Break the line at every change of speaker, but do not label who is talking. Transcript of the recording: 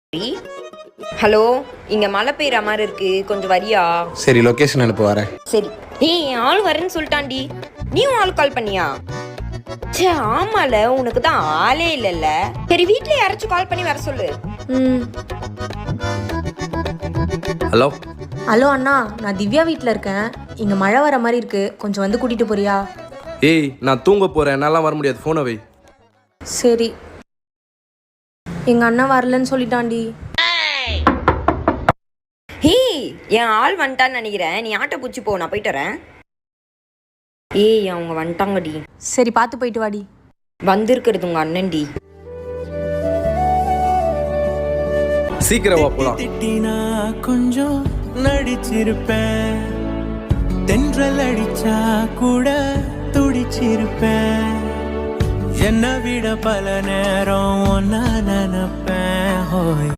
Hello, இங்க மழை பெய்யற மாதிரி இருக்கு, கொஞ்சம் வரியா?
சரி, லொகேஷன் அனுப்பு வரேன்.
சரி. ஏய், என் ஆள் வரேன்னு சொல்லிட்டான்டி. நீயும் ஆள் கால் பண்ணியா? சே, ஆமால, உனக்கு தான் ஆளே இல்லைல்ல. சரி, வீட்ல யாராச்சும் கால் பண்ணி வர சொல்லு.
ஹலோ
ஹலோ அண்ணா, நான் திவ்யா வீட்டில் இருக்கேன். இங்கே மழை வர மாதிரி இருக்கு, கொஞ்சம் வந்து கூட்டிட்டு போறியா?
ஏய், நான் தூங்க போறேன், என்னால வர முடியாது, போனை வை.
சரி. எங்க அண்ணன் வரலன்னு சொல்லிட்டான்டி.
ஏய், என் ஆள் வந்துட்டான்னு நினைக்கிறேன். நீ ஆட்டோ பூச்சி போ, நான் போயிட்டு வரேன். ஏய், அவங்க வந்துட்டாங்கடி.
சரி, பார்த்து போயிட்டு வாடி.
வந்திருக்கிறது உங்க அண்ணன்டி.
சீக்கிரம் வா போலாம்.
திட்டினா கொஞ்சம் நடிச்சிருப்பேன், தென்றல் அடிச்சா கூட துடிச்சிருப்பேன், என்னை விட பல நேரம் ஒன்னா நினைப்பேன்.